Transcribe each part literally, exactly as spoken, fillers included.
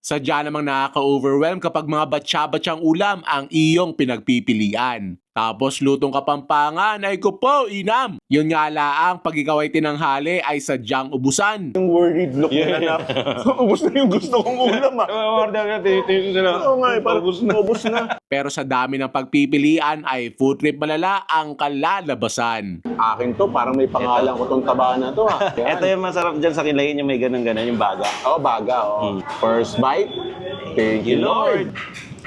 Sadya namang nakaka-overwhelm kapag mga batsa-batsang ulam ang iyong pinagpipilian. Tapos lutong Kapampangan ay ko po, inam! Yun nga laang pag ikaw ay tinanghali ay sadyang ubusan. Yung worried look nila na, ubus na yung gusto kong ulam ah. Order ka, tinitin sila. Oo nga eh, parang ubus na. Ubus na. Pero sa dami ng pagpipilian ay food trip malala ang kalalabasan. Akin to, parang may pangalan ko tong taba na to ah. Yan. Ito yung masarap dyan sa kilayin yung may ganun-ganun, yung baga. Oh, baga oh. Hmm. First bite, thank you Lord.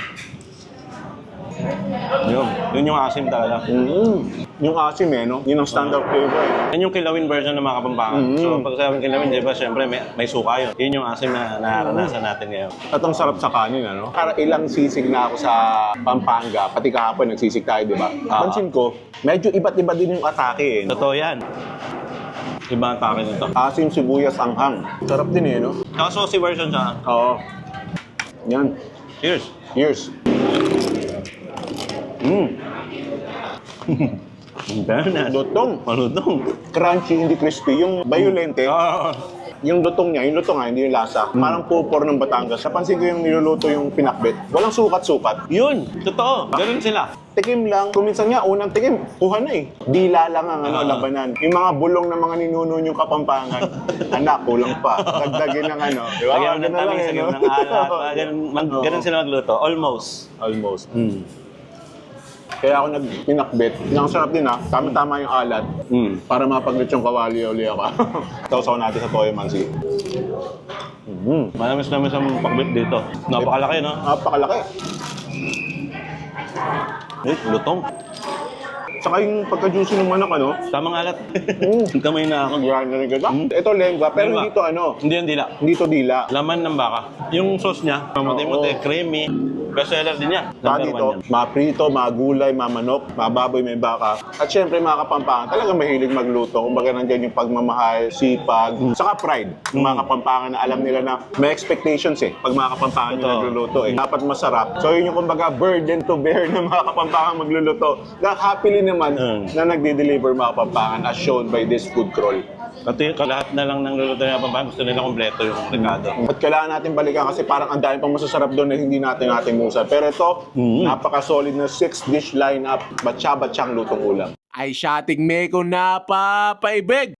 Yun, yun yung asim talaga. Mm. Yung asim eh, no? Yun ang standard flavor eh. Yan yung kilawin version ng mga Kapampangan. Mm. So pag sabing kilawin, di ba, syempre may, may suka yun. Yun yung asim na naranasan natin ngayon. At ang sarap sa kanin, ano? Para ilang sisig na ako sa Pampanga, pati kahapon nagsisig tayo, di ba? Ah. Pansin ko, medyo iba't iba din yung atake eh. No? Totoo yan. Iba ang take nito. Asim, sibuyas, anghang. Sarap din eh, no? Saka saucy version siya. Oo. Yan. Cheers! Cheers. Mmm! Fairness. Lutong. Malutong. Crunchy, hindi crispy. Yung violente, Ah. yung lutong niya, yung lutong nga, hindi yung lasa. Parang pupor ng Batangas. Napansin ko yung niluluto yung pinakbet. Walang sukat-sukat. Yun! Totoo! Ganun sila. Tikim lang. Kung minsan nga, unang tikim, kuha na eh. Dila lang ang ano, Ah. labanan. Yung mga bulong ng mga ninuno yung Kapampangan, anak, kulang pa. Dagdagin ng ano. Di ba? Lagyan mo ng Ganun lang tamis, eh, lagyan mo no? ng alat. ah, Ganun, mag, Oo. ganun sila magluto. Almost. Almost. Mm. Kaya ako nag-pinakbet. Ang sarap din ha. Tama-tama yung alat. Mm. Para mapaglit yung kawali uli ako. Tawsaw natin sa Toyo Mansi. Mm. Malamis namin sa pagbit dito. Napakalaki, no? Napakalaki. Eh, lutong. Saka yung pagka-juicy ng manok, ano? Tamang alat. Mm. Kamay na ako. Grind na rin kita. Mm. Ito lengua, pero Lengua. hindi to ano. Hindi yan dila. Hindi to dila. Laman ng baka. Yung sauce niya, mamuti-muti, Oo. creamy. Best seller din yan. Saka Number dito, one yan. mga prito, mga gulay, mga manok, mga baboy, may baka. At syempre mga Kapampangan, talagang mahilig magluto. Kumbaga nandyan yung pagmamahal, sipag, saka pride. Yung mga Mm. Kapampangan na alam nila na may expectations eh. Pag mga Kapampangan yung Totoo. nagluluto eh. Dapat masarap. So yun yung kumbaga burden to bear ng mga Kapampangan magluluto. Na happily naman Mm. na nagde-deliver mga Kapampangan as shown by this food crawl. Pati lahat na lang ng luluto ng Kapampangan, gusto nila kompleto yung rekado. At kailangan natin balikan kasi parang ang dami pang masasarap doon na hindi natin natin musa. Pero ito, Mm. napaka-solid na six dish lineup, batsa-batsang lutong ulam. Ay siyating meko na papaibig!